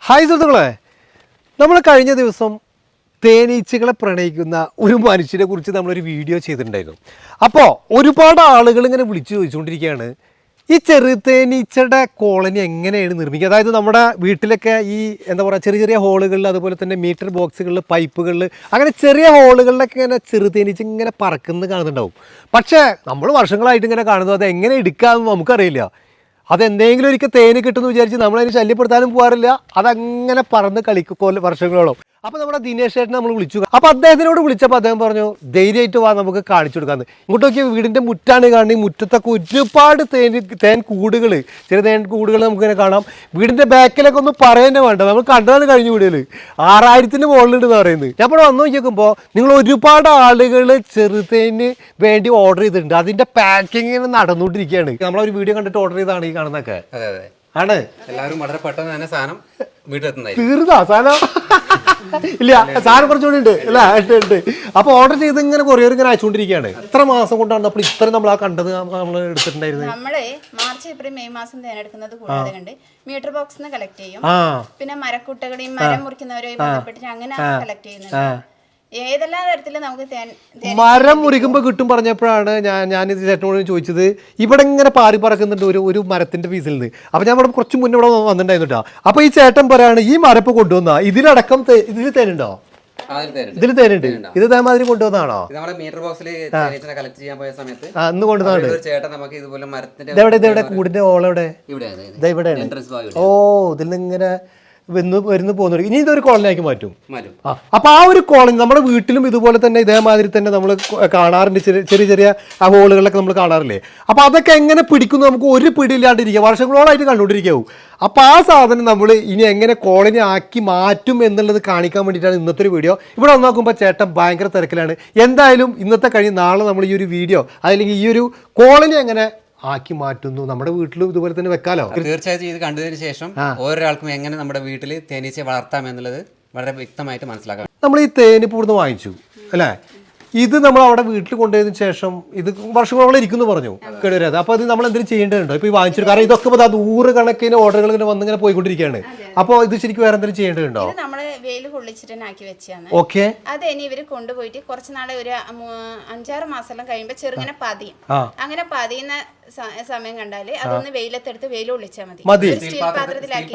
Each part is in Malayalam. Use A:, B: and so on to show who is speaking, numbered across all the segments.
A: ഹായ് സുഹൃത്തുക്കളെ, നമ്മൾ കഴിഞ്ഞ ദിവസം തേനീച്ചകളെ പ്രണയിക്കുന്ന ഒരു മനുഷ്യനെ കുറിച്ച് നമ്മളൊരു വീഡിയോ ചെയ്തിട്ടുണ്ടായിരുന്നു. അപ്പോൾ ഒരുപാട് ആളുകൾ ഇങ്ങനെ വിളിച്ചു ചോദിച്ചുകൊണ്ടിരിക്കുകയാണ്, ഈ ചെറുതേനീച്ചയുടെ കോളനി എങ്ങനെയാണ് നിർമ്മിക്കുക? അതായത് നമ്മുടെ വീട്ടിലൊക്കെ ഈ എന്താ പറയുക, ചെറിയ ചെറിയ ഹോളുകളിൽ, അതുപോലെ തന്നെ മീറ്റർ ബോക്സുകളിൽ, പൈപ്പുകളിൽ, അങ്ങനെ ചെറിയ ഹോളുകളിലൊക്കെ ഇങ്ങനെ ചെറുതേനീച്ച ഇങ്ങനെ പറക്കുന്നത് കാണുന്നുണ്ടാവും. പക്ഷേ നമ്മൾ വർഷങ്ങളായിട്ട് ഇങ്ങനെ കാണുന്നത് അത് എങ്ങനെ എടുക്കാമെന്ന് നമുക്കറിയില്ല. അതെന്തെങ്കിലും ഒരിക്കൽ തേന് കിട്ടുമെന്ന് വിചാരിച്ച് നമ്മളതിന് ശല്യപ്പെടുത്താനും പോകാറില്ല. അതങ്ങനെ പറന്ന് കളിക്കൊല്ല വർഷങ്ങളോളം. അപ്പോൾ നമ്മുടെ ദിനേശ് ചേട്ടനെ നമ്മൾ വിളിച്ചു. അപ്പോൾ അദ്ദേഹത്തിനോട് വിളിച്ചപ്പോൾ അദ്ദേഹം പറഞ്ഞു, ധൈര്യമായിട്ട് വാ, നമുക്ക് കാണിച്ചു കൊടുക്കാമെന്ന്. ഇങ്ങോട്ടൊക്കെ വീടിൻ്റെ മുറ്റാണ് കാണുന്നത്. ഈ മുറ്റത്തൊക്കെ ഒരുപാട് തേൻ കൂടുകൾ, ചെറിയ തേൻ കൂടുകൾ നമുക്കിങ്ങനെ കാണാം. വീടിൻ്റെ ബാക്കിലൊക്കെ ഒന്നും പറയുന്നേ വേണ്ട, നമ്മൾ കണ്ടതാണ് കഴിഞ്ഞ വീടുകൾ 6000-ന് മുകളിലുണ്ടെന്ന് പറയുന്നത്. ഞാൻ ഇപ്പോൾ വന്നു നോക്കിയപ്പോൾ നിങ്ങൾ ഒരുപാട് ആളുകൾ ചെറുതേന് വേണ്ടി ഓർഡർ ചെയ്തിട്ടുണ്ട്. അതിൻ്റെ പാക്കിങ് നടന്നുകൊണ്ടിരിക്കുകയാണ്. നമ്മളൊരു വീഡിയോ കണ്ടിട്ട് ഓർഡർ ചെയ്താണ് ഈ കാണുന്നതൊക്കെ. ആണ്
B: എല്ലാവരും വളരെ പെട്ടെന്ന് തന്നെ സാധനം വീട്ടിലെത്തുന്നതായി.
A: തീർന്നാ സാധനം? ഇല്ല, സാധനം കുറച്ചുകൂടി ഉണ്ട് അല്ലേ? ഉണ്ട്. അപ്പോൾ ഓർഡർ ചെയ്ത് ഇങ്ങനെ കൊറിയർ ഇങ്ങനെ അയച്ചുകൊണ്ടിരിക്കുകയാണ്. എത്ര മാസം കൊണ്ടാണ് അപ്പോൾ ഇത്രയും നമ്മൾ ആ കണ്ടത് നമ്മൾ എടുത്തിട്ടുണ്ടായിരുന്നത്?
C: നമ്മള് മാർച്ച് ഏപ്രിൽ മെയ് മാസം തേനെടുക്കുന്നത് കൂടാതെ കണ്ട് മീറ്റർ ബോക്സ് കളക്ട് ചെയ്യും. പിന്നെ മരക്കുട്ടകളെയും മരം മുറിക്കുന്നവരെയും ബന്ധപ്പെട്ടിട്ട് അങ്ങനെ കളക്ട് ചെയ്യുന്നുണ്ട്. ഏതെല്ലാം തരത്തിലും നമുക്ക്
A: മരം മുറിക്കുമ്പോൾ കിട്ടും പറഞ്ഞപ്പോഴാണ് ഞാനിത് ചേട്ടനോട് ചോദിച്ചത്. ഇവിടെ ഇങ്ങനെ പാറി പറക്കുന്നുണ്ട് ഒരു മരത്തിന്റെ പീസിൽ നിന്ന്. അപ്പൊ ഞാൻ ഇവിടെ കുറച്ച് മുന്നേ ഇവിടെ വന്നിട്ടുണ്ടായിരുന്നു കേട്ടോ. അപ്പൊ ഈ ചേട്ടൻ പറയാണ്, ഈ മരപ്പ് കൊണ്ടുവന്നാ ഇതിലടക്കം ഇതിൽ തേനുണ്ടോ? ഇതിൽ തേനുണ്ട്. ഇത് ഇതേമാതിരി കൊണ്ടുവന്നാണോ?
B: മീറ്റർ ബോക്സിൽ കളക്ട് ചെയ്യാൻ പോയ സമയത്ത്
A: അന്ന് കൊണ്ടുവന്നാണ്.
B: ചേട്ടൻ നമുക്ക് ഇതുപോലെ മരത്തിന്റെ
A: ഇതെവിടെ കൂടിന്റെ ഓളെവിടെ? ഇവിടെയാണ്. ഓ, ഇതിൽ നിന്ന് ഇങ്ങനെ വരുന്നു പോകുന്നു. ഇനി ഇതൊരു കോളനിയാക്കി മാറ്റും. അപ്പൊ ആ ഒരു കോളനി നമ്മുടെ വീട്ടിലും ഇതുപോലെ തന്നെ ഇതേമാതിരി തന്നെ നമ്മൾ കാണാറുണ്ട്. ചെറിയ ചെറിയ ആ ഹോളുകളിലൊക്കെ നമ്മൾ കാണാറില്ലേ? അപ്പൊ അതൊക്കെ എങ്ങനെ പിടിക്കുന്നു നമുക്ക് ഒരു പിടിയില്ലാണ്ടിരിക്കുക, വർഷങ്ങളോളായിട്ട് കണ്ടുകൊണ്ടിരിക്കാവും. അപ്പൊ ആ സാധനം നമ്മൾ ഇനി എങ്ങനെ കോളനി ആക്കി മാറ്റും എന്നുള്ളത് കാണിക്കാൻ വേണ്ടിയിട്ടാണ് ഇന്നത്തെ ഒരു വീഡിയോ. ഇവിടെ വന്നോക്കുമ്പോൾ ചേട്ടൻ ഭയങ്കര തിരക്കിലാണ്. എന്തായാലും ഇന്നത്തെ കഴിഞ്ഞ് നാളെ നമ്മൾ ഈ ഒരു വീഡിയോ അല്ലെങ്കിൽ ഈ ഒരു കോളനി എങ്ങനെ ആക്കി മാറ്റുന്നു, നമ്മുടെ വീട്ടിലും ഇതുപോലെ തന്നെ വെക്കാലോ.
B: തീർച്ചയായിട്ടും ഇത് കണ്ടതിന് ശേഷം ഓരോരാൾക്കും എങ്ങനെ നമ്മുടെ വീട്ടിൽ തേനീച്ചയെ വളർത്താം എന്നുള്ളത് വളരെ വ്യക്തമായിട്ട് മനസ്സിലാക്കാം.
A: നമ്മൾ ഈ തേനിപ്പ് ഇവിടുന്ന് വാങ്ങിച്ചു അല്ലേ? ഇത് നമ്മൾ അവിടെ വീട്ടിൽ കൊണ്ടുപോയതിനു ശേഷം ഇത് വർഷങ്ങളോളം ഇരിക്കുന്നു പറഞ്ഞു കേടുവരാതെ. അപ്പോൾ അത് നമ്മൾ എന്തെങ്കിലും ചെയ്യേണ്ടതുണ്ടോ? ഇപ്പോൾ ഈ വാങ്ങിച്ചിട്ട്, കാരണം ഇതൊക്കെ ഇപ്പോൾ 100 കണക്കിന് ഓർഡറുകൾ ഇങ്ങനെ വന്നിങ്ങനെ പോയിക്കൊണ്ടിരിക്കുകയാണ്. അപ്പോൾ ഇത് ശരിക്കും വേറെ എന്തെങ്കിലും ചെയ്യേണ്ടതുണ്ടോ?
C: നമ്മള് വെയിൽ കൊള്ളിച്ചിട്ട് ആക്കി വെച്ചാണ്.
A: ഓക്കെ,
C: അത് ഇനി ഇവര് കൊണ്ടുപോയിട്ട് കുറച്ച് നാളെ ഒരു 5-6 മാസം കഴിയുമ്പോൾ ചെറുങ്ങനെ പതിയും. അങ്ങനെ പതിയുന്ന സമയം കണ്ടാല് അതൊന്ന് വെയിലത്തെടുത്ത് വെയിൽ ഒളിച്ചാൽ മതി. സ്റ്റീൽ പാത്രത്തിലാക്കി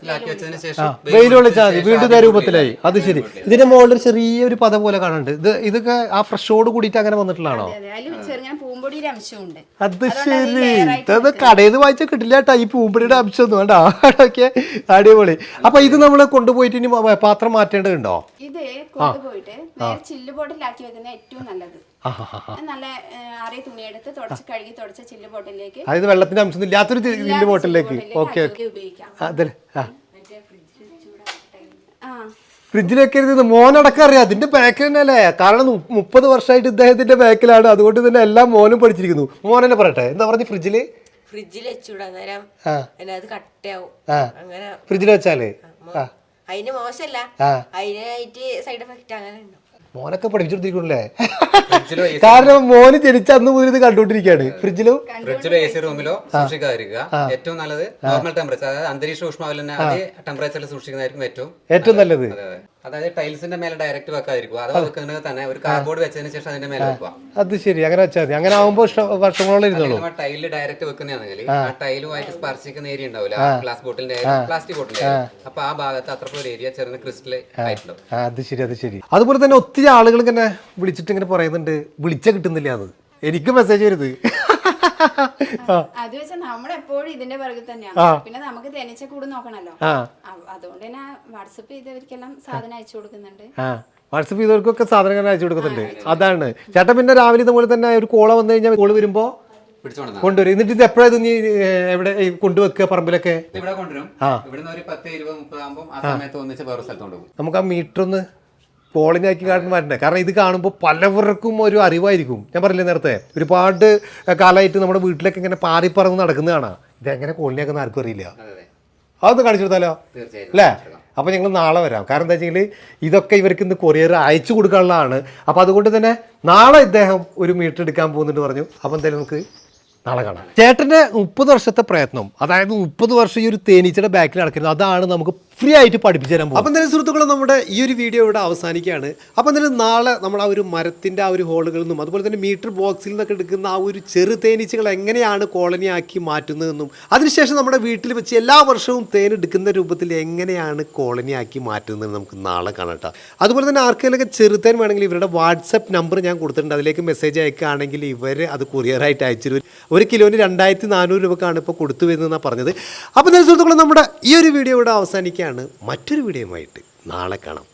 A: വെയിൽ ഒളിച്ചാൽ മതി, വീണ്ടും രൂപത്തിലായി. അത് ശരി. ഇതിന്റെ മുകളിൽ ചെറിയൊരു പദം പോലെ കാണുന്നുണ്ട്. ഇതൊക്കെ ആ ഫ്രഷോട് കൂടിയിട്ട് അങ്ങനെ വന്നിട്ടുള്ളതാണോ?
C: പൂമ്പൊടിയുടെ അംശമുണ്ട്.
A: അത് ശരി. ഇത് കടയിൽ നിന്ന് വായിച്ചാൽ കിട്ടില്ല കേട്ടോ ഈ പൂമ്പൊടിയുടെ അംശം ഒന്നും വേണ്ട. ഓക്കെ, അടിപൊളി. അപ്പൊ ഇത് നമ്മൾ കൊണ്ടുപോയിട്ട് ഇനി പാത്രം മാറ്റേണ്ടതുണ്ടോ?
C: ഇത് കൊണ്ടുപോയിട്ട് നേരെ ചില്ല് ബോട്ടിലാക്കി വെക്കുന്ന ഏറ്റവും നല്ലത്. നല്ല ആറിയ തുണിയെടുത്ത് തുടച്ച് ചില്ല് ബോട്ടിലേക്ക്,
A: അതായത് വെള്ളത്തിന്റെ അംശം ഇല്ലാത്തൊരു ചില്ല് ബോട്ടിലേക്ക്. ഓക്കെ, അതെ. ഫ്രിഡ്ജിലൊക്കെ ഇരുന്ന് മോനടക്കം അറിയാം അതിന്റെ ബാക്ക് തന്നെ അല്ലേ? കാരണം 30 വർഷമായിട്ട് ഇദ്ദേഹത്തിന്റെ ബാക്കിലാണ്. അതുകൊണ്ട് തന്നെ എല്ലാം മോനും പഠിച്ചിരിക്കുന്നു. മോൻ തന്നെ പറയട്ടെ, എന്താ പറഞ്ഞു? ഫ്രിഡ്ജിൽ
D: വെച്ചൂടാ, നേരം അത് കട്ടയാവും. അങ്ങനെ
A: ഫ്രിഡ്ജിൽ വെച്ചാല്
D: അതിന് മോശമല്ല, അതിനായിട്ട് സൈഡ് എഫക്റ്റ് അങ്ങനെ ഉണ്ടോ?
A: മോനൊക്കെ പഠിപ്പിച്ചോണ്ടിരിക്കണല്ലേ? കാരണം മോന് ജനിച്ച അന്ന് മുതൽ ഇത് കണ്ടുകൊണ്ടിരിക്കുകയാണ്. ഫ്രിഡ്ജിലോ
B: AC റൂമിലോ സൂക്ഷിക്കാതിരിക്കുക. ഏറ്റവും നല്ലത് നോർമൽ ടെമ്പറേച്ചർ, അതായത് അന്തരീക്ഷ ഊഷ്മാവിൽ തന്നെ അതേ ടെമ്പറേച്ചറിൽ സൂക്ഷിക്കുന്നതായിരിക്കും ഏറ്റവും നല്ലത്. അതായത് ടൈൽസിന്റെ മേലെ ഡയറക്റ്റ് വെക്കാതിരിക്കുക. അത് വെക്കുന്നത് തന്നെ ഒരു കാർഡ്ബോർഡ് വെച്ചതിന് ശേഷം അതിന്റെ മേലെ വെക്കുക.
A: അത് ശരി, അങ്ങനെ വെച്ചാൽ മതി. അങ്ങനെ ആവുമ്പോൾ വർഷങ്ങളോളം ഇരുന്നോളൂ.
B: ടൈലിൽ ഡയറക്റ്റ് വെക്കുന്നതാണെങ്കിൽ ആ ടൈലുമായിട്ട് സ്പർശിക്കുന്ന ഏരിയ ഉണ്ടാവില്ല, ഗ്ലാസ് ബോട്ടിലിന്റെ പ്ലാസ്റ്റിക് ബോട്ടിലിന്റെ. അപ്പൊ ആ ഭാഗത്ത് അത്രയും ഏരിയ ചെറിയ ക്രിസ്റ്റൽ ആയിട്ടുണ്ടാവും.
A: അത് ശരി, അത് ശരി. അതുപോലെ തന്നെ ഒത്തിരി ആളുകൾ ഇങ്ങനെ വിളിച്ചിട്ട് ഇങ്ങനെ പറയുന്നുണ്ട്, വിളിച്ച കിട്ടുന്നില്ല. അത് എനിക്ക് മെസ്സേജ് വരുത്.
C: അത് വെച്ചാൽ നമ്മളെപ്പോഴും ഇതിന്റെ പുറകിൽ തന്നെയാണ്. പിന്നെ നമുക്ക് തേനീച്ച കൂട് നോക്കണല്ലോ. അതുകൊണ്ട് തന്നെ വാട്സപ്പ് ചെയ്തവർക്കെല്ലാം സാധനം അയച്ചു കൊടുക്കുന്നുണ്ട്.
A: വാട്സപ്പ് ചെയ്തവർക്കൊക്കെ സാധനങ്ങൾ അയച്ചു കൊടുക്കുന്നുണ്ട്. അതാണ് ചേട്ടൻ. പിന്നെ രാവിലെ ഇതുപോലെ തന്നെ ഒരു കോള വന്നു കഴിഞ്ഞാൽ കോള് വരുമ്പോ കൊണ്ടുവരും. എന്നിട്ട് ഇത് എപ്പോഴാണ് നീ എവിടെ കൊണ്ടുവെക്കുക? പറമ്പിലൊക്കെ നമുക്ക് ആ മീറ്റർ ഒന്ന് കോളനിയാക്കി കാട്ടുന്ന മാറ്റണ്ടേ? കാരണം ഇത് കാണുമ്പോൾ പലവർക്കും ഒരു അറിവായിരിക്കും. ഞാൻ പറഞ്ഞില്ലേ നേരത്തെ, ഒരുപാട് കാലമായിട്ട് നമ്മുടെ വീട്ടിലൊക്കെ ഇങ്ങനെ പാറിപ്പറന്ന് നടക്കുന്ന കാണാം. ഇതെങ്ങനെ കോളനിയാക്കുന്ന ആർക്കും അറിയില്ല. അതൊന്ന് കാണിച്ചു കൊടുത്താലോ അല്ലേ? അപ്പോൾ ഞങ്ങൾ നാളെ വരാം. കാരണം എന്താ വെച്ചെങ്കിൽ ഇതൊക്കെ ഇവർക്ക് ഇന്ന് കൊറിയർ അയച്ചു കൊടുക്കാനുള്ളതാണ്. അപ്പോൾ അതുകൊണ്ട് തന്നെ നാളെ ഇദ്ദേഹം ഒരു മീറ്റർ എടുക്കാൻ പോകുന്നുണ്ട് പറഞ്ഞു. അപ്പോൾ എന്തായാലും നമുക്ക് നാളെ കാണാം. ചേട്ടൻ്റെ 30 വർഷത്തെ പ്രയത്നം, അതായത് 30 വർഷം ഈ ഒരു തേനീച്ചയുടെ ബാക്കിൽ നടക്കുന്നത്, അതാണ് നമുക്ക് ഫ്രീ ആയിട്ട് പഠിപ്പിച്ചു തരാൻ പോകും. അപ്പം എന്തായാലും സുഹൃത്തുക്കളെ നമ്മുടെ ഈ ഒരു വീഡിയോ ഇവിടെ അവസാനിക്കുകയാണ്. അപ്പം എന്തായാലും നാളെ നമ്മൾ ആ ഒരു മരത്തിൻ്റെ ആ ഒരു ഹോളുകളിൽ നിന്നും അതുപോലെ തന്നെ മീറ്റർ ബോക്സിൽ നിന്നൊക്കെ എടുക്കുന്ന ആ ഒരു ചെറു തേനീച്ചകൾ എങ്ങനെയാണ് കോളനിയാക്കി മാറ്റുന്നതെന്നും അതിനുശേഷം നമ്മുടെ വീട്ടിൽ വെച്ച് എല്ലാ വർഷവും തേൻ എടുക്കുന്ന രൂപത്തിൽ എങ്ങനെയാണ് കോളനിയാക്കി മാറ്റുന്നത് നമുക്ക് നാളെ കാണാം. അതുപോലെ തന്നെ ആർക്കെങ്കിലൊക്കെ ചെറുതേൻ വേണമെങ്കിൽ ഇവരുടെ വാട്സപ്പ് നമ്പർ ഞാൻ കൊടുത്തിട്ടുണ്ട്. അതിലേക്ക് മെസ്സേജ് അയക്കുകയാണെങ്കിൽ ഇവർ അത് കൊറിയറായിട്ട് അയച്ചു തരും. 1 കിലോന് 2400 രൂപക്കാണ് ഇപ്പോൾ കൊടുത്തു വരുന്നതെന്നാണ് പറഞ്ഞത്. അപ്പോൾ എന്തായാലും സുഹൃത്തുക്കളെ നമ്മുടെ ഈ ഒരു വീഡിയോ ഇവിടെ അവസാനിക്കുകയാണ്. മറ്റൊരു വീഡിയോയുമായിട്ട് നാളെ കാണാം.